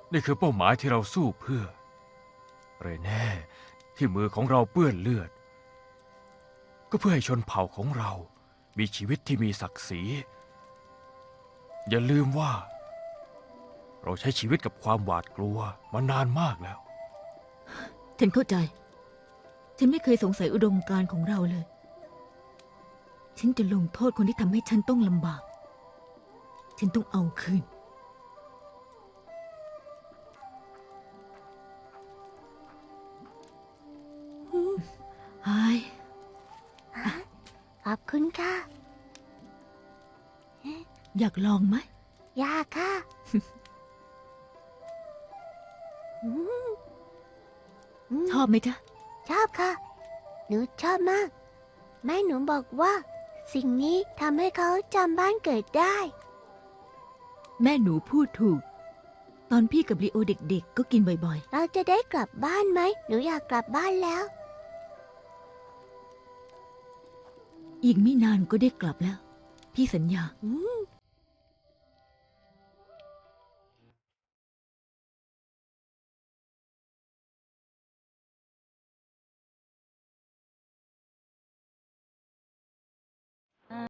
นี่คือเป้าหมายที่เราสู้เพื่อเรเน่ที่มือของเราเปื้อนเลือดก็เพื่อให้ชนเผ่าของเรามีชีวิตที่มีศักดิ์ศรีอย่าลืมว่าเราใช้ชีวิตกับความหวาดกลัวมานานมากแล้วฉันเข้าใจ ฉันไม่เคยสงสัยอุดมการณ์ของเราเลย ฉันจะลงโทษคนที่ทำให้ฉันต้องลำบาก ฉันต้องเอาคืน ไอ้ขอบคุณค่ะอยากลองไหมยากค่ะชอบไหมจ๊ะชอบค่ะ หนูชอบมาก แม่หนูบอกว่า สิ่งนี้ทำให้เขาจำบ้านเกิดได้แม่หนูพูดถูก ตอนพี่กับลีโอเด็กๆ ก็กินบ่อยเราจะได้กลับบ้านไหม หนูอยากกลับบ้านแล้วๆ อีกไม่นานก็ได้กลับแล้ว พี่สัญญาอืม